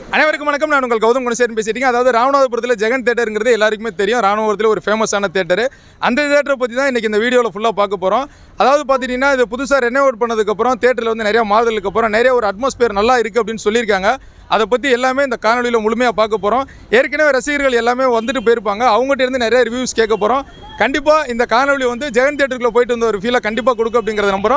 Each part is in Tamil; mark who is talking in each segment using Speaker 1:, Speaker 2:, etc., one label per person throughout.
Speaker 1: அனைவருக்கும் வணக்கம். நான் உங்கள் கௌதம் குணசேகரன் பேசிட்டீங்க. அதாவது ராமநாதபுரத்தில் ஜெகன் தேட்டருங்கிறது எல்லாருக்குமே தெரியும். ராமநாதபுரத்தில் ஒரு ஃபேமஸான தேட்டரு. அந்த தேட்டரை பற்றி தான் இன்றைக்கி இந்த வீடியோவில் ஃபுல்லாக பார்க்க போகிறோம். அதாவது பார்த்துட்டிங்கன்னா இது புதுசாக ரெனோவேட் பண்ணதுக்கப்புறம் தேட்டரில் வந்து நிறையா மாறுதலுக்கு அப்புறம் நிறைய ஒரு அட்மாஸ்பியர் நல்லா இருக்குது அப்படின்னு சொல்லியிருக்காங்க. அதை பற்றி எல்லாமே இந்த காணொலியில் முழுமையாக பார்க்க போகிறோம். ஏற்கனவே ரசிகர்கள் எல்லாமே வந்துட்டு போயிருப்பாங்க. அவங்ககிட்ட இருந்து நிறைய ரிவ்யூஸ் கேட்க போகிறோம். கண்டிப்பாக இந்த காணொலி வந்து ஜெகன் தேட்டருக்குள்ளே போயிட்டு வந்த ஒரு ஃபீலை கண்டிப்பாக கொடுக்கும் அப்படிங்கிறத நம்புகிறோம்.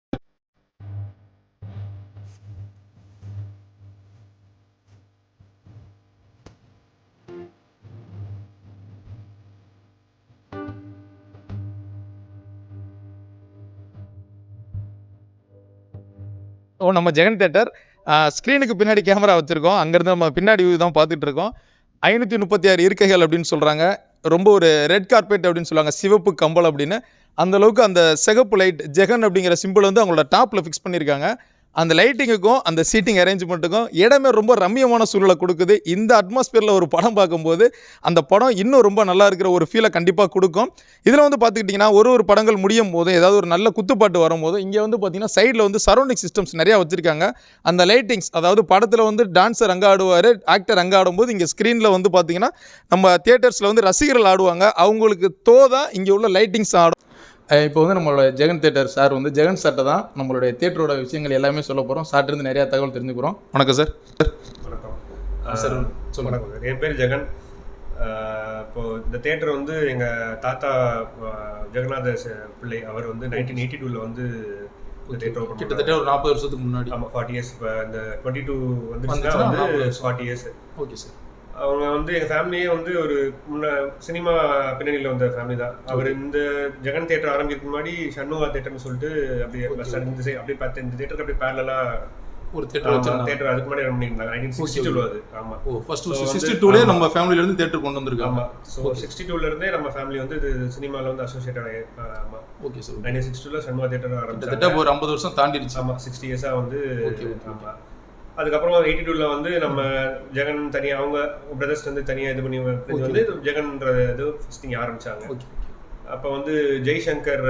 Speaker 1: நம்ம ஜெகன் தேட்டர் ஸ்க்ரீனுக்கு பின்னாடி கேமரா வச்சுருக்கோம். அங்கேருந்து நம்ம பின்னாடி வியூ தான் பார்த்துட்டு இருக்கோம். 536 இருக்கைகள் அப்படின்னு சொல்கிறாங்க. ரொம்ப ஒரு ரெட் கார்பெட் அப்படின்னு சொல்லுவாங்க, சிவப்பு கம்பல் அப்படின்னு. அந்தளவுக்கு அந்த சிகப்பு லைட் ஜெகன் அப்படிங்கிற சிம்பிள் வந்து அவங்களோட டாப்பில் ஃபிக்ஸ் பண்ணியிருக்காங்க. அந்த லைட்டிங்குக்கும் அந்த சீட்டிங் அரேஞ்ச்மெண்ட்டுக்கும் இடமே ரொம்ப ரம்மியமான சூழலை கொடுக்குது. இந்த அட்மாஸ்பியரில் ஒரு படம் பார்க்கும்போது அந்த படம் இன்னும் ரொம்ப நல்லா இருக்கிற ஒரு ஃபீலை கண்டிப்பாக கொடுக்கும். இதில் வந்து பார்த்துக்கிட்டிங்கன்னா ஒரு படங்கள் முடியும் போது ஏதாவது ஒரு நல்ல குத்துப்பாட்டு வரும்போது இங்கே வந்து பார்த்திங்கன்னா சைடில் வந்து சரௌண்டிங் சிஸ்டம்ஸ் நிறையா வச்சுருக்காங்க. அந்த லைட்டிங்ஸ், அதாவது படத்தில் வந்து டான்ஸர் அங்கே ஆடுவார், ஆக்டர் அங்கே ஆடும்போது இங்கே ஸ்க்ரீனில் வந்து பார்த்திங்கன்னா நம்ம தியேட்டர்ஸில் வந்து ரசிகர்கள் ஆடுவாங்க. அவங்களுக்கு தோதா இங்கே உள்ள லைட்டிங்ஸ் ஆடும். இப்போ வந்து நம்மளோட ஜெகன் தேட்டர் சார் வந்து ஜெகன் சார்ட்ட தான் நம்மளுடைய தேட்டரோட விஷயங்கள் எல்லாமே சொல்ல போகிறோம். சார்ட்டிருந்து நிறையா தகவல் தெரிஞ்சுக்கிறோம். வணக்கம் சார்.
Speaker 2: வணக்கம்
Speaker 1: சார்.
Speaker 2: வணக்கம். என் பேர் ஜெகன். இப்போது இந்த தேட்டர் வந்து எங்கள் தாத்தா ஜெகநாத பிள்ளை அவர் வந்து 1982 வந்து இந்த தேட்டர் ஓப்பன்
Speaker 1: கிட்டத்தட்ட ஒரு 40 வருஷத்துக்கு முன்னாடி.
Speaker 2: ஆமாம், 40 இயர்ஸ். இப்போ இந்த 22 வந்துச்சுன்னா வந்து 40 இயர்ஸ்.
Speaker 1: Okay sir. அவங்க
Speaker 2: வந்து எங்கள் ஃபேமிலியே வந்து ஒரு சினிமா பின்னணியில் வந்த ஃபேமிலி தான். அவர் இந்த ஜெகன் தேட்டர் ஆரம்பிக்கிறதுக்கு முன்னாடி ஷண்முகா தேட்டர்னு சொல்லிட்டு அப்படியே பஸ் ஸ்டாண்ட் இந்த சைடு அப்படியே பார்த்து இந்த தேட்டருக்கு அப்படியே பேரலாக ஒரு தேட்டர் அதுக்கு முன்னாடி ரன் பண்ணியிருந்தாங்க. 1962 அது. ஆமாம். ஃபர்ஸ்ட்
Speaker 1: 62 நம்ம ஃபேமிலியிலேருந்து தேட்டர் கொண்டு வந்திருக்காங்க.
Speaker 2: ஆமாம். ஸோ 62 நம்ம ஃபேமிலி வந்து இது சினிமாவில் வந்து அசோசியேட்டட் ஆகி. ஆமாம்.
Speaker 1: Okay sir.
Speaker 2: 1962 ஷண்முகா தேட்டர்
Speaker 1: ஆரம்பிச்சு ஒரு 50 வருஷம் தாண்டிடுச்சு.
Speaker 2: ஆமாம், 60 இயர்ஸாக வந்து. ஆமாம். அதுக்கப்புறம் 82 வந்து நம்ம ஜெகன் தனியாக அவங்க பிரதர்ஸ் வந்து தனியாக இது பண்ணி வந்து ஜெகன்ற இது ஃபர்ஸ்ட் இங்கே ஆரம்பிச்சாங்க. அப்போ வந்து ஜெய்சங்கர்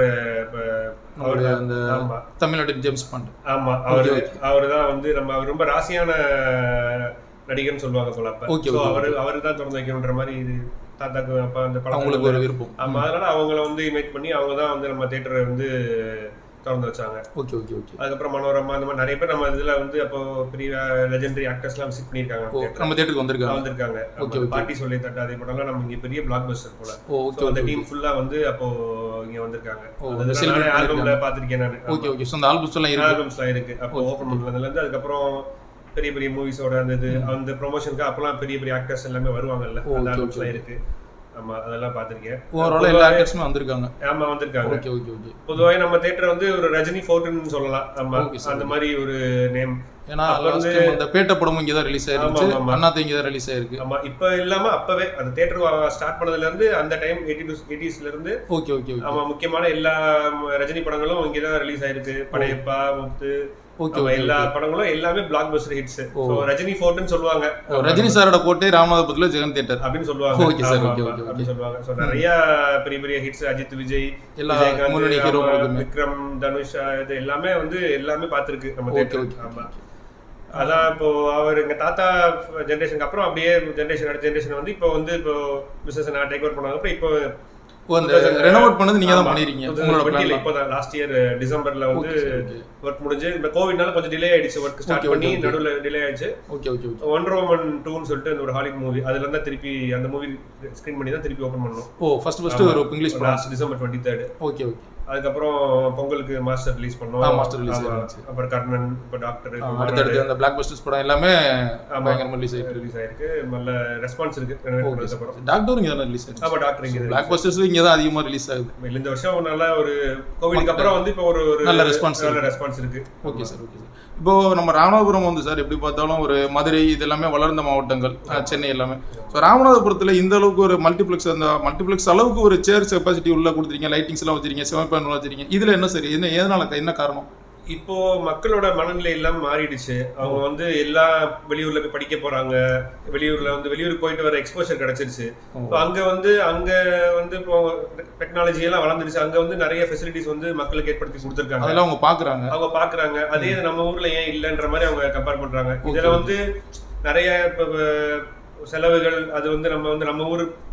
Speaker 1: தமிழ்நாடு ஜேம்ஸ் பாண்ட்.
Speaker 2: ஆமாம், அவர் தான் வந்து அவர் ரொம்ப ராசியான நடிகர்னு சொல்லுவாங்க போல. அப்போ அவரு தான் திறந்து வைக்கணுன்ற மாதிரி இது தாத்தாக்கு அப்போ அந்த படம்
Speaker 1: ஒரு விருப்பம்.
Speaker 2: ஆமாம், அதனால அவங்கள வந்து இன்வைட் பண்ணி அவங்க தான் வந்து நம்ம தேட்டரை வந்து திறந்து வச்சாங்க.
Speaker 1: Okay okay okay.
Speaker 2: அதுக்கப்புறம் மனோரமா அந்த மாதிரி நிறைய பேர் நம்ம இதில் வந்து அப்போ பெரிய லெஜெண்டரி ஆக்டர்ஸ்லாம் விசிட் பண்ணியிருக்காங்க.
Speaker 1: நம்ம தேட்டருக்கு வந்திருக்காங்க.
Speaker 2: ஓகே. பாட்டி சொல்லி தட்டு அதே படம்லாம் நம்ம இங்கே பெரிய பிளாக் பஸ்டர் போல. ஓகே. அந்த டீம் ஃபுல்லாக வந்து அப்போ இங்கே வந்திருக்காங்க. ஆல்பம்ல பார்த்துருக்கேன் நான்.
Speaker 1: Okay okay. ஸோ அந்த
Speaker 2: ஆல்பம்ஸ்லாம் இருக்கு. அப்போ ஓப்பன் பண்ணதுலேருந்து அதுக்கப்புறம் பெரிய பெரிய மூவிஸோட அந்த இது அந்த ப்ரொமோஷனுக்கு அப்போலாம் பெரிய பெரிய ஆக்டர்ஸ் எல்லாமே வருவாங்கல்ல, அந்த ஆல்பம்ஸ்லாம் இருக்கு. ஆமா, அதெல்லாம் பார்த்திருக்கேன்.
Speaker 1: ஓவரால் எல்லா ஆக்டர்ஸுமே வந்திருக்காங்க.
Speaker 2: ஆமா, வந்திருக்காங்க.
Speaker 1: Okay okay okay.
Speaker 2: பொதுவாக நம்ம தியேட்டர் வந்து ஒரு ரஜினி ஃபோர்ட்னு சொல்லலாம். ஆமா, அந்த மாதிரி ஒரு நேம்.
Speaker 1: ஏன்னா அந்த பேட்ட படமும் இங்கே தான் ரிலீஸ் ஆயிருக்கு. அண்ணாத்த இங்கே தான் ரிலீஸ் ஆயிருக்கு.
Speaker 2: ஆமா, இப்போ இல்லாம அப்பவே அந்த தியேட்டர் ஸ்டார்ட் பண்ணதுல இருந்து அந்த டைம் 80s இருந்து.
Speaker 1: Okay okay.
Speaker 2: ஆமா, முக்கியமான எல்லா ரஜினி படங்களும் இங்கே தான் ரிலீஸ் ஆயிருக்கு. படையப்பா, முத்து, எல்லா படங்களும் எல்லாமே blockbuster hits. So Rajini ஃபோர்ட்னு சொல்லுவாங்க.
Speaker 1: ரஜினி சாரோட கோட்டை ராமநாதபுரத்துல ஜெகன் தியேட்டர்
Speaker 2: அப்படின்னு சொல்லுவாங்க.
Speaker 1: Okay sir. ஓகே ஓகே
Speaker 2: அப்படி சொல்லுவாங்க. சோ நிறைய பெரிய பெரிய ஹிட்ஸ் அஜித், விஜய்,
Speaker 1: எல்லா முன்னணி ஹீரோ,
Speaker 2: விக்ரம், தனுஷ், இது எல்லாமே வந்து எல்லாமே பார்த்திருக்கு நம்ம தியேட்டர். ஆமா, அதான் இப்போ அவர் எங்க தாத்தா ஜெனரேஷனுக்கு அப்புறம் அப்படியே ஜெனரேஷன் அடுத்த ஜெனரேஷன் வந்து இப்போ வந்து இப்போ பிசினஸ் நான் டேக் ஓவர் பண்ணாங்க. அப்புறம் இப்போ
Speaker 1: ரெனோவேட் பண்ணது நீங்க தான் பண்ணிருக்கீங்க.
Speaker 2: இப்போ தான் லாஸ்ட் இயர் டிசம்பர்ல வந்து ஒர்க் முடிஞ்சு. இந்த கோவிட்னால கொஞ்சம் டிலே ஆயிடுச்சு. ஒர்க் ஸ்டார்ட் பண்ணி நடுவுல டிலே ஆயிடுச்சு.
Speaker 1: Okay okay.
Speaker 2: ஒண்டர் வுமன் 2ன்னு சொல்லிட்டு ஒரு ஹாலிவுட் மூவி, அதுல இருந்தா திருப்பி அந்த மூவி ஸ்கிரீன் பண்ணி தான் திருப்பி ஓபன் பண்ணோம்.
Speaker 1: ஃபர்ஸ்ட் ஒரு இங்கிலீஷ் படம்
Speaker 2: டிசம்பர் 23.
Speaker 1: Okay okay.
Speaker 2: அதுக்கப்புறம் பொங்கலுக்கு மாஸ்டர் ரிலீஸ் பண்ணோம்.
Speaker 1: மாஸ்டர் ரிலீஸ் ஆயிடுச்சு.
Speaker 2: அப்புறம் கர்ணன், இப்போ டாக்டர்,
Speaker 1: அடுத்து அந்த பிளாக் பஸ்டர்ஸ் படம் எல்லாமே பயங்கரமா ரிலீஸ் ஆயிருக்கு.
Speaker 2: நல்ல ரெஸ்பான்ஸ் இருக்கு.
Speaker 1: டாக்டர் இங்க தான் ரிலீஸ் ஆயிருக்கு.
Speaker 2: ஆமா, டாக்டர் இங்க.
Speaker 1: பிளாக் பஸ்டர்ஸ் இங்க தான் அதிகமா ரிலீஸ் ஆகுது.
Speaker 2: இந்த வருஷம் நல்ல ஒரு கோவிட்க்கு அப்புறம் வந்து இப்போ ஒரு
Speaker 1: நல்ல ரெஸ்பான்ஸ்
Speaker 2: இருக்கு.
Speaker 1: Okay sir. Okay sir. இப்போ நம்ம ராமநாதபுரம் வந்து சார் எப்படி பார்த்தாலும் ஒரு மதுரை இது எல்லாமே வளர்ந்த மாவட்டங்கள், சென்னை எல்லாமே. ஸோ ராமநாதபுரத்தில் இந்த அளவுக்கு ஒரு மல்டிப்ளெக்ஸ் அளவுக்கு ஒரு சேர் கெப்பாசிட்டி உள்ள கொடுத்துருக்கீங்க, லைட்டிங்ஸ் எல்லாம் வச்சிருக்கீங்க, செவன் வச்சிருக்கீங்க. இதுல என்ன சரி, என்ன காரணம்?
Speaker 2: இப்போ மக்களோட மனநிலை எல்லாம் மாறிடுச்சு. அவங்க வந்து எல்லா வெளியூர்ல போய் படிக்க போறாங்க, வெளியூருக்கு போயிட்டு வர எக்ஸ்போஷர் கிடைச்சிருச்சு. அங்க வந்து இப்போ டெக்னாலஜி எல்லாம் வளர்ந்துருச்சு. அங்க வந்து நிறைய ஃபெசிலிட்டிஸ் வந்து மக்களுக்கு ஏற்படுத்தி கொடுத்துருக்காங்க.
Speaker 1: அவங்க பாக்குறாங்க.
Speaker 2: அதே நம்ம ஊர்ல ஏன் இல்லைன்ற மாதிரி அவங்க கம்பேர் பண்றாங்க. இதுல வந்து நிறைய இப்போ செலவுகள் அது வந்து நம்ம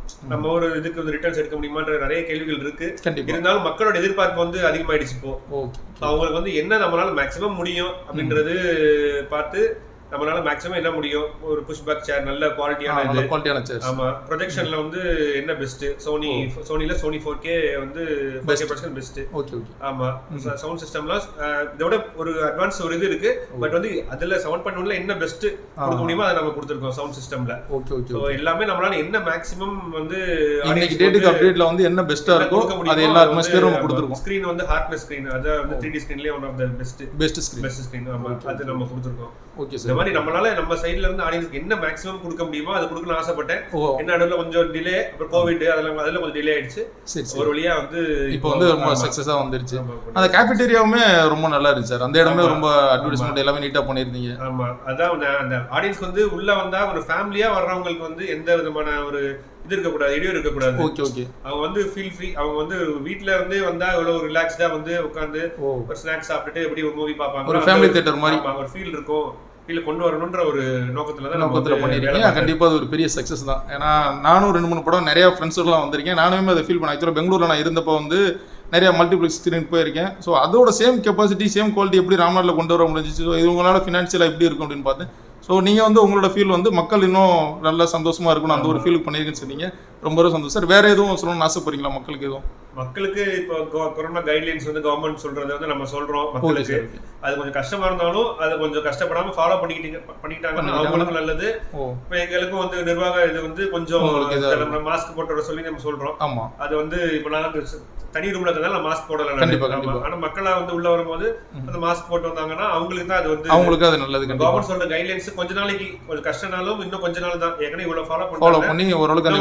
Speaker 2: ஊர் இதுக்கு வந்து ரிட்டர்ன்ஸ் எடுக்க முடியுமான்ற நிறைய கேள்விகள் இருக்கு. இருந்தாலும் மக்களோட எதிர்பார்ப்பு வந்து அதிகமாயிடுச்சு. இப்போ அவங்களுக்கு வந்து என்ன நம்மளால மேக்சிமம் முடியும் அப்படின்றது பார்த்து நம்மளால மேக்ஸிமம் என்ன முடியும், ஒரு புஷ் பேக் சேர் நல்ல குவாலிட்டியான சேர். ஆமா, ப்ரொஜெக்ஷன்ல வந்து என்ன பெஸ்ட், சோனில சோனி 4K வந்து 4K projection best. Okay okay. ஆமா, சவுண்ட் சிஸ்டம்லாம் இதோட ஒரு அட்வான்ஸ் ஒரு இது இருக்கு. பட் வந்து அதுல 7.1ல என்ன பெஸ்ட் கொடுக்க முடியுமோ அதை நம்ம கொடுத்திருக்கோம் சவுண்ட் சிஸ்டம்ல. Okay okay. சோ எல்லாமே நம்மளால என்ன மேக்ஸிமம் வந்து இன்னைக்கு டேட்டுக்கு அப்டேட்ல வந்து என்ன பெஸ்ட்டா இருக்கோ அது எல்லா அட்மாஸ்பியரும் நம்ம கொடுத்திருக்கோம். ஸ்கிரீன் வந்து ஹார்ட்னஸ் ஸ்கிரீன், அது வந்து 3D ஸ்கிரீன்லயே one of the best screen. ஆமா, அது நம்ம கொடுத்திருக்கோம். Okay sir. இந்த மாதிரி நம்மளால நம்ம சைடுல இருந்து ஆடியன்ஸ்க்கு என்ன மேக்ஸிமம் கொடுக்க முடியுமோ அது கொடுக்கணும்னு ஆசைப்பட்டேன். என்ன நடுவுல கொஞ்சம் டிலே, அப்புறம் கோவிட் அதெல்லாம் கொஞ்சம் டிலே ஆயிடுச்சு. ஒரு வழியா வந்து இப்போ வந்து ரொம்ப சக்சஸா வந்துருச்சு. அந்த கேஃபேட்டேரியாவுமே ரொம்ப நல்லா இருந்துச்சு சார். அந்த இடமே ரொம்ப அட்வர்டைஸ்மென்ட் எல்லாமே நீட்டா பண்ணிருந்தீங்க. ஆமா, அதான் அந்த ஆடியன்ஸ்க்கு வந்து உள்ள வந்தா ஒரு ஃபேமிலியா வர்றவங்களுக்கு வந்து எந்த விதமான ஒரு இது இருக்கக்கூடாது, இடையூறு இருக்கக்கூடாது. Okay okay. அவங்க வந்து ஃபீல் ஃப்ரீ, அவங்க வந்து வீட்ல வந்து வந்தா எவ்வளவு ரிலாக்ஸ்டா வந்து உட்காந்து ஒரு ஸ்நாக்ஸ் சாப்பிட்டுட்டு எப்படி ஒரு மூவி பார்ப்பாங்க, ஒரு ஃபேமிலி தியேட்டர் மாதிரி ஒரு ஃபீல் இருக்கும். கீழே கொண்டு வரணுன்ற ஒரு நோக்கத்துல பண்ணிருக்கீங்க. கண்டிப்பா அது ஒரு பெரிய சக்சஸ் தான். ஏன்னா நானும் 2-3 படம் நிறைய ஃப்ரெண்ட்ஸோடலாம் வந்திருக்கேன். நானுமே அதை ஃபீல் பண்ணேன். ஆக்சுவலாக பெங்களூர்ல நான் இருந்தப்போ வந்து நிறைய மல்டிப்ளெக்ஸ் ஸ்க்ரீன் போயிருக்கேன். ஸோ அதோட சேம் கெப்பாசிட்டி சேம் குவாலிட்டி எப்படி ராம்நாட்டில் கொண்டு வர முடிஞ்சிச்சு, ஸோ இவங்களால ஃபினான்ஷியலாக எப்படி இருக்கும் அப்படின்னு பார்த்தேன். ஸோ நீங்கள் வந்து உங்களோட ஃபீல் வந்து மக்கள் இன்னும் நல்லா சந்தோஷமா இருக்கணும் அந்த ஒரு ஃபீலுக்கு பண்ணியிருக்குன்னு சொன்னீங்க. ரொம்ப சந்தோஷம் சார். வேற எதுவும் சொல்லணும்னு ஆசைப்படுறீங்களா மக்களுக்கு? எதுவும் மக்களுக்கு இப்போ கொரோனா கைட்லைன்ஸ் வந்து கவர்மெண்ட் சொல்றதை வந்து நம்ம சொல்றோம் மக்களுக்கு. அது கொஞ்சம் கஷ்டமா இருந்தாலும் அதை கொஞ்சம் கஷ்டப்படாம ஃபாலோ பண்ணிக்கிட்டாங்கன்னா அவங்களுக்கும் நல்லது. இப்போ எங்களுக்கும் வந்து நிர்வாக இது வந்து கொஞ்சம் மாஸ்க் போட்டு வர சொல்லி நம்ம சொல்றோம். ஆமா, அது வந்து இப்போ நான் தனி ரூம்ல இருக்கிறதால நான் மாஸ்க் போடல. ஆனா மக்களா வந்து உள்ள வரும்போது அந்த மாஸ்க் போட்டு வந்தாங்கன்னா அவங்களுக்கு தான் அது வந்து அவங்களுக்கு அது நல்லது. கவர்மெண்ட் சொல்ற கைட்லைன்ஸ் கொஞ்ச நாளைக்கு கொஞ்சம் கஷ்டனாலும் இன்னும் கொஞ்ச நாள் தான் ஏற்கனவே இவ்வளவு ஃபாலோ பண்ணி ஓரளவுக்கு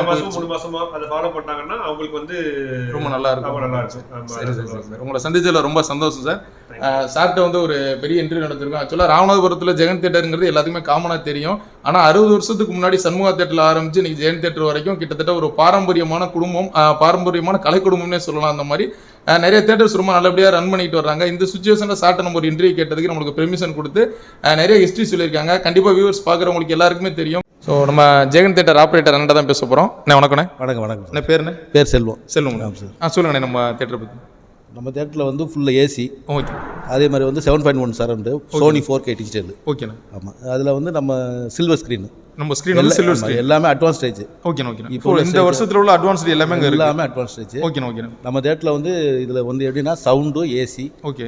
Speaker 2: 3 மாசமா அதை ஃபாலோ பண்ணாங்கன்னா அவங்களுக்கு வந்து ரொம்ப நல்லா இருக்கும். உங்களை சந்திச்சதுல ரொம்ப சந்தோஷம் சார். சார்கிட்ட வந்து ஒரு பெரிய இன்டர்வியூ நடத்திருக்கோம். ஆக்சுவலாக ராமநாதபுரத்தில் ஜெகன் தேட்டருங்கிறது எல்லாத்துக்குமே காமனாக தெரியும். ஆனால் 60 வருஷத்துக்கு முன்னாடி சண்முகா தேட்டரில் ஆரம்பிச்சு இன்னைக்கு ஜெகன் தேட்டர் வரைக்கும் கிட்டத்தட்ட ஒரு பாரம்பரியமான குடும்பம், பாரம்பரியமான கலை குடும்பம்னே சொல்லலாம். அந்த மாதிரி நிறைய தேட்டர்ஸ் ரொம்ப நல்லபடியாக ரன் பண்ணிட்டு வர்றாங்க. இந்த சுச்சுவேஷனில் சார்ட்ட நம்ம ஒரு இன்டர்வியூ கேட்டதுக்கு நம்மளுக்கு பெர்மிஷன் கொடுத்து நிறைய ஹிஸ்ட்ரி சொல்லியிருக்காங்க. கண்டிப்பாக வியூவர்ஸ் பார்க்குறவங்களுக்கு எல்லாருக்குமே தெரியும். ஸோ நம்ம ஜெகன் தேட்டர் ஆப்ரேட்டர் அண்ணன் தான் பேச போகிறோம். வணக்கண்ணே. வணக்கம். என்ன பேருண்ணே? பேர் செல்வம். சார் சொல்லுங்கண்ணே நம்ம தேட்டரை பற்றி.
Speaker 3: நம்ம தேட்டரில் வந்து ஃபுல்லாக ஏசி. ஓகே. அதே மாதிரி வந்து 7.1 சரௌண்டு, சோனி 4K டிஜிட்டல்.
Speaker 1: ஓகேண்ணா.
Speaker 3: ஆமாம், அதில் வந்து நம்ம சில்வர் ஸ்க்ரீன்.
Speaker 1: நம்ம ஸ்க்ரீன் வந்து சில்வர் ஸ்க்ரீன் எல்லாமே
Speaker 3: அட்வான்ஸ் ஸ்டேஜ்.
Speaker 1: Okay okay. இப்போ இந்த வருஷத்துல உள்ள அட்வான்ஸ் எல்லாமே
Speaker 3: அட்வான்ஸ் ஸ்டேஜ்.
Speaker 1: Okay okay.
Speaker 3: நம்ம தேட்டரில் வந்து இதில் வந்து எப்படின்னா sound, AC,
Speaker 1: okay,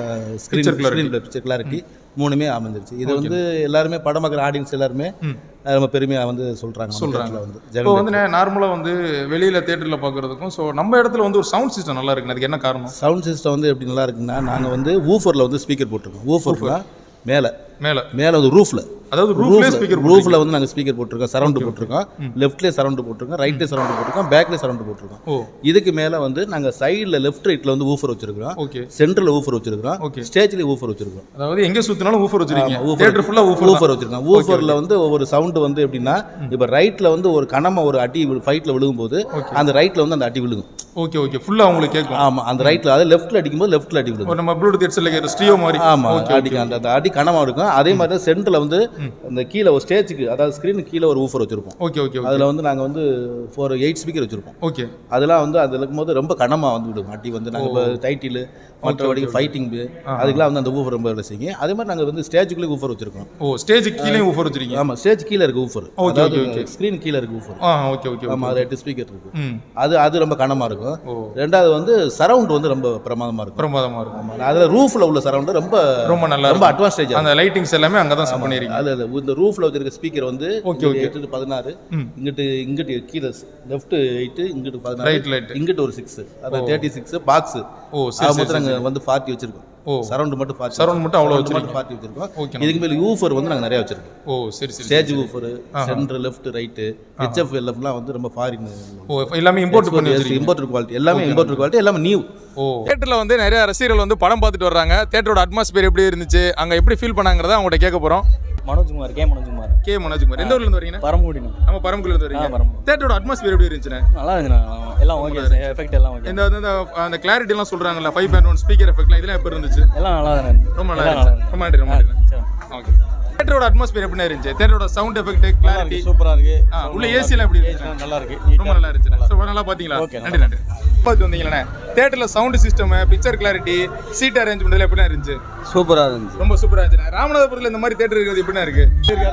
Speaker 3: screen picture clarity மூணுமே அமைஞ்சிருச்சு. இது வந்து எல்லாருமே படம் பார்க்குற ஆடியன்ஸ் எல்லாருமே ரொம்ப பெருமையாக வந்து சொல்கிறாங்க. வந்து
Speaker 1: இப்போ வந்து நார்மலாக வந்து வெளியில் தேட்டரில் பார்க்குறதுக்கும் ஸோ நம்ம இடத்துல வந்து ஒரு சவுண்ட் சிஸ்டம் நல்லா இருக்குன்னு அதுக்கு என்ன காரணம்?
Speaker 3: சவுண்ட் சிஸ்டம் வந்து எப்படி நல்லா இருக்குன்னா, நாங்கள் வந்து ஊஃபரில் வந்து ஸ்பீக்கர் போட்டிருக்கோம். ஊஃபர்லாம் மேலே வந்து ரூஃபில், அதாவது ரூஃபில் வந்து நாங்கள் ஸ்பீக்கர் போட்டிருக்கோம், சரௌண்டு போட்டிருக்கோம். லெஃப்ட்லேயே சரௌண்டு போட்டிருக்கோம், ரைட்லேயே சரௌண்டு போட்டிருக்கோம், பேக்லேயே சரௌண்டு போட்டிருக்கோம். இதுக்கு மேலே வந்து நாங்கள் சைடில் லெஃப்ட் ரைட்டில் வந்து ஊஃபர் வச்சிருக்கிறோம், சென்டரில் ஊஃபர் வச்சிருக்கிறோம், ஸ்டேஜ்லேயே ஊஃபர் வச்சிருக்கோம்.
Speaker 1: அதாவது எங்கே சுற்றினாலும் ஊஃபர் வச்சிருக்கீங்க.
Speaker 3: ஊஃபர் வச்சிருக்கோம். ஊஃபரில் வந்து ஒவ்வொரு சவுண்டு வந்து எப்படின்னா, இப்போ ரைட்டில் வந்து ஒரு கனமாக ஒரு அடி ஃபைட்டில் விழுகும்போது அந்த ரைட்டில் வந்து அந்த அடி விழுகும்.
Speaker 1: Okay okay. ஃபுல்லாக உங்களுக்கு கேட்கும்.
Speaker 3: ஆமாம், அந்த ரைட்டில் அதாவது லெஃப்ட்டில் அடிக்கும்போது லெஃப்ட்டில் அடி விழுகும்.
Speaker 1: நம்ம ப்ளூடூத் ஹெட்செட்டில் ஸ்டீரியோ மாதிரி.
Speaker 3: ஆமாம், அடிக்கும். அந்த அடி கனமாக இருக்கும். அதே மாதிரி சென்டரில் வந்து அந்த கீழே ஒரு ஸ்டேஜுக்கு, அதாவது ஸ்க்ரீனுக்கு கீழே ஒரு ஊஃபர் வச்சிருப்போம்.
Speaker 1: Okay okay.
Speaker 3: அதில் வந்து நாங்கள் வந்து 8 ஸ்பீக்கர் வச்சிருப்போம்.
Speaker 1: ஓகே.
Speaker 3: அதெல்லாம் வந்து அதில் இருக்கும்போது ரொம்ப கனமாக வந்து விடும் அடி வந்து. நாங்கள் இப்போ டைட்டில் மற்றபடி ஃபைட்டிங் அதுக்கெல்லாம் வந்து அந்த ஊஃபர் ரொம்ப வேலை செய்யும். அதே மாதிரி நாங்கள் வந்து ஸ்டேஜுக்குள்ளே ஊஃபர் வச்சிருக்கோம்.
Speaker 1: ஸ்டேஜுக்கு கீழே ஊஃபர் வச்சிருக்கீங்க?
Speaker 3: ஆமாம், ஸ்டேஜ் கீழே இருக்கு ஊஃபர். அதாவது ஸ்க்ரீன் கீழே இருக்கு ஊஃபர்.
Speaker 1: Okay okay.
Speaker 3: ஆமாம், அது 8 ஸ்பீக்கர் இருக்கு. அது ரொம்ப கனமாக இருக்கும். ரெண்டாவது வந்து சரவுண்ட் வந்து ரொம்ப பிரமாதமாக இருக்கும். அதில் ரூஃபில் உள்ள சரவுண்ட் ரொம்ப நல்லா, ரொம்ப அட்வான்ஸ்டேஜ்.
Speaker 1: அந்த லைட்டிங்ஸ் எல்லாமே அங்கே தான் செட் பண்ணிருக்கீங்க.
Speaker 3: அது இந்த ரூஃப்ல வச்சிருக்க ஸ்பீக்கர் வந்து 16, இங்கிட்டு கீழே லெஃப்ட் 8, இங்கிட்டு 16, இங்கிட்டு ஒரு 6, அது 36 பாக்ஸ். மொத்தம் நாங்க வந்து 40 வச்சிருக்கோம். சரவுண்ட் மட்டும் 40.
Speaker 1: சரவுண்ட் மட்டும் அவ்வளவு வச்சிருக்கோம்.
Speaker 3: 40 வச்சிருக்கோம். இதுக்கு மேல ஊஃபர் வந்து நாங்க நிறைய வச்சிருக்கோம். சரி சரி. Stage woofer, centre, left, right, HF LFலாம் வந்து ரொம்ப ஃபாரின்.
Speaker 1: எல்லாமே இம்போர்ட் பண்ணி வச்சிருக்கீங்க.
Speaker 3: இம்போர்ட்டட் குவாலிட்டி, எல்லாமே இம்போர்ட்டட் குவாலிட்டி, எல்லாமே நியூ.
Speaker 1: தியேட்டர்ல வந்து நிறைய ரசிகர்கள் வந்து படம் பார்த்துட்டு வர்றாங்க. தியேட்டரோட அட்மாஸ்பியர் எப்படி இருந்துச்சு, அங்க எப்படி ஃபீல் பண்ணாங்கறத அவங்கள்ட்ட கேட்க போறோம்.
Speaker 4: மனோஜ்குமார். கே மனோஜ்குமார்.
Speaker 1: எந்த ஊர்ல இருந்து வரீங்க?
Speaker 4: பரமக்குடி.
Speaker 1: நம்ம பரமக்குடில இருந்து வரீங்க. தியேட்டரோட அட்மாஸ்பியர் எப்படி இருந்துச்சுனா?
Speaker 4: நல்லா இருந்துச்சு. எல்லாம் ஓகே, எஃபெக்ட் எல்லாம் ஓகே.
Speaker 1: அந்த கிளாரிட்டி எல்லாம் சொல்றாங்கல்ல, 5.1 ஸ்பீக்கர் எஃபெக்ட்லாம் இதெல்லாம் எப்படி இருந்துச்சு?
Speaker 4: எல்லாம் நல்லா இருந்துச்சு.
Speaker 1: ரொம்ப நல்லா இருந்துச்சு. ரொம்ப நன்றி. ஓகே. தேட்டரோட அட்மாஸ்பியர் எப்படி இருந்துச்சு? தேட்டரோட சவுண்ட் எஃபெக்ட், கிளாரிட்டி
Speaker 4: சூப்பரா இருக்கு.
Speaker 1: உள்ள ஏசிலாம் எப்படி இருந்துச்சு?
Speaker 4: நல்லா இருக்கு.
Speaker 1: ரொம்ப நல்லா இருந்துச்சு. சோ நல்லா பாத்தீங்களா? நன்றி நன்றி. பார்த்து வந்தீங்களே தியேட்டர்ல sound system, picture clarity, seat arrangement எப்படி இருந்துச்சு?
Speaker 4: சூப்பரா இருந்துச்சு.
Speaker 1: ரொம்ப சூப்பரா இருந்துச்சு. ராமநாதபுரத்துல இந்த மாதிரி தியேட்டர் இருக்கிறது எப்படி இருக்கு?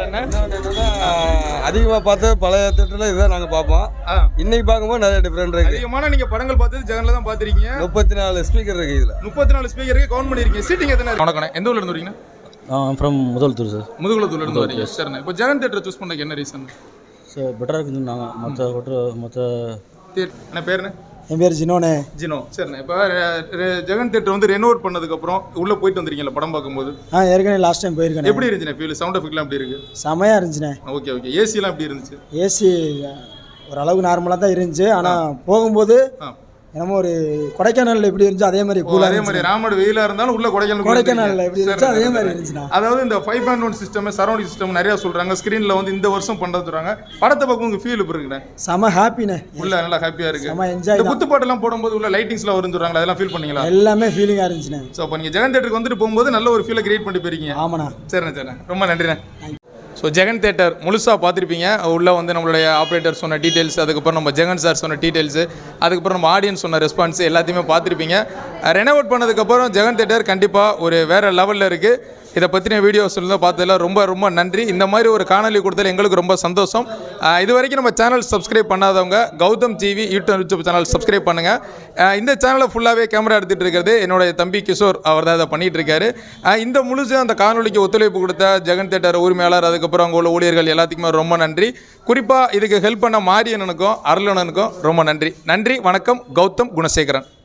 Speaker 5: அதிகமா பார்த்து பழைய தியேட்டர்ல இதான் நாங்க பார்ப்போம். இன்னைக்கு பார்க்கும்போது நிறைய டிஃபரெண்ட் இருக்கு.
Speaker 1: அதிகமான நீங்க படங்கள் பார்த்தது ஜெகன்ல தான் பாத்திருக்கீங்க.
Speaker 5: 34 ஸ்பீக்கர் இருக்கு இதுல.
Speaker 1: 34 ஸ்பீக்கர் இருக்கு. கவுண்ட் பண்ணிருக்கீங்க. சீட்டிங் எத்தனை? வணக்கம். எந்த ஊர்ல இருந்து வரீங்க?
Speaker 4: From முதல்தூர் sir.
Speaker 1: முதுகுளத்தூர்ல இருந்து வரீங்க. சரிண்ணே. இப்போ ஜெகன் தியேட்டர் சூஸ் பண்ணதுக்கு என்ன ரீசன்?
Speaker 4: சார் பெட்டராக இருக்குன்னு நாங்கள் மொத்த
Speaker 1: என்ன பேருண்ணே?
Speaker 6: என் பேர் ஜினோனே.
Speaker 1: ஜினோ. சரிண்ணே. இப்போ ஜெகன் தியேட்டர் வந்து ரெனோவேட் பண்ணதுக்கு அப்புறம் உள்ள போயிட்டு வந்திருக்கீங்களா படம் பார்க்கும்போது?
Speaker 6: ஏற்கனவே லாஸ்ட் டைம் போயிருக்கேன்.
Speaker 1: எப்படி இருந்துச்சுண்ணே ஃபீல்? சவுண்ட் எஃபெக்ட்லாம் எப்படி இருக்கு?
Speaker 6: செமையாக இருந்துச்சுண்ணே.
Speaker 1: Okay okay. ஏசிலாம் எப்படி இருந்துச்சு?
Speaker 6: ஏசி ஓரளவுக்கு நார்மலாக தான் இருந்துச்சு. ஆனால் போகும்போது என்னமோ ஒரு கொடைக்கானலில் எப்படி இருந்துச்சு அதே மாதிரி கூலாக.
Speaker 1: அதே மாதிரி ராமடு வெயிலாக இருந்தாலும் உள்ள
Speaker 6: கொடைக்கானலில் எப்படி இருந்துச்சு அதே மாதிரி இருந்துச்சுண்ணா.
Speaker 1: அதாவது இந்த 5.1 சிஸ்டம், சரௌண்டிங் சிஸ்டம் நிறையா சொல்கிறாங்க. ஸ்க்ரீனில் வந்து இந்த வருஷம் பண்ணுறது சொல்கிறாங்க. படத்தை பார்க்க உங்களுக்கு ஃபீல் இப்போ இருக்குண்ணே?
Speaker 6: செம ஹாப்பிண்ணே.
Speaker 1: உள்ள நல்லா ஹாப்பியாக இருக்கு.
Speaker 6: செம என்ஜாய்.
Speaker 1: இந்த குத்துப்பாட்டெல்லாம் போடும்போது உள்ள லைட்டிங்ஸ்லாம் வரும்னு சொல்கிறாங்க. அதெல்லாம் ஃபீல் பண்ணீங்களா?
Speaker 6: எல்லாமே ஃபீலிங்காக இருந்துச்சுண்ணே.
Speaker 1: ஸோ அப்போ நீங்கள் ஜெகன் தேட்டருக்கு வந்துட்டு போகும்போது நல்ல ஒரு ஃபீலை கிரியேட் பண்ணிட்டு போயிருக்கீங்க.
Speaker 6: ஆமாண்ணா.
Speaker 1: சரிண்ணே சரிண்ணே. ரொம்ப நன்றிண்ணே. ஸோ ஜெகன் தேட்டர் முழுசாக பார்த்துருப்பீங்க. உள்ளே வந்து நம்மளுடைய ஆப்ரேட்டர் சொன்ன டீட்டெயில்ஸ், அதுக்கப்புறம் நம்ம ஜெகன் சார் சொன்ன டீட்டெயில்ஸு, அதுக்கப்புறம் நம்ம ஆடியன்ஸ் சொன்ன ரெஸ்பான்ஸ் எல்லாத்தையுமே பார்த்துருப்பீங்க. ரெனோவேட் பண்ணதுக்கப்புறம் ஜெகன் தேட்டர் கண்டிப்பாக ஒரு வேறு லெவலில் இருக்குது. இதை பற்றின வீடியோஸ் இருந்தால் பார்த்ததில் ரொம்ப ரொம்ப நன்றி. இந்த மாதிரி ஒரு காணொலி கொடுத்ததில் எங்களுக்கு ரொம்ப சந்தோஷம். இது வரைக்கும் நம்ம சேனல் சப்ஸ்கிரைப் பண்ணாதவங்க Gautham TV YouTube channel subscribe பண்ணுங்கள். இந்த சேனலை ஃபுல்லாகவே கேமரா எடுத்துகிட்டு இருக்கிறது என்னுடைய தம்பி கிஷோர். அவர் தான் இதை பண்ணிகிட்டு இருக்காரு. இந்த முழுசு அந்த காணொலிக்கு ஒத்துழைப்பு கொடுத்த ஜெகன் தேட்டர் உரிமையாளர், அதுக்கப்புறம் அங்கே உள்ள ஊழியர்கள் எல்லாத்துக்குமே ரொம்ப நன்றி. குறிப்பாக இதுக்கு ஹெல்ப் பண்ண மாரியண்ணனுக்கும் அருளண்ணனுக்கும் ரொம்ப நன்றி. நன்றி. வணக்கம். கௌதம் குணசேகரன்.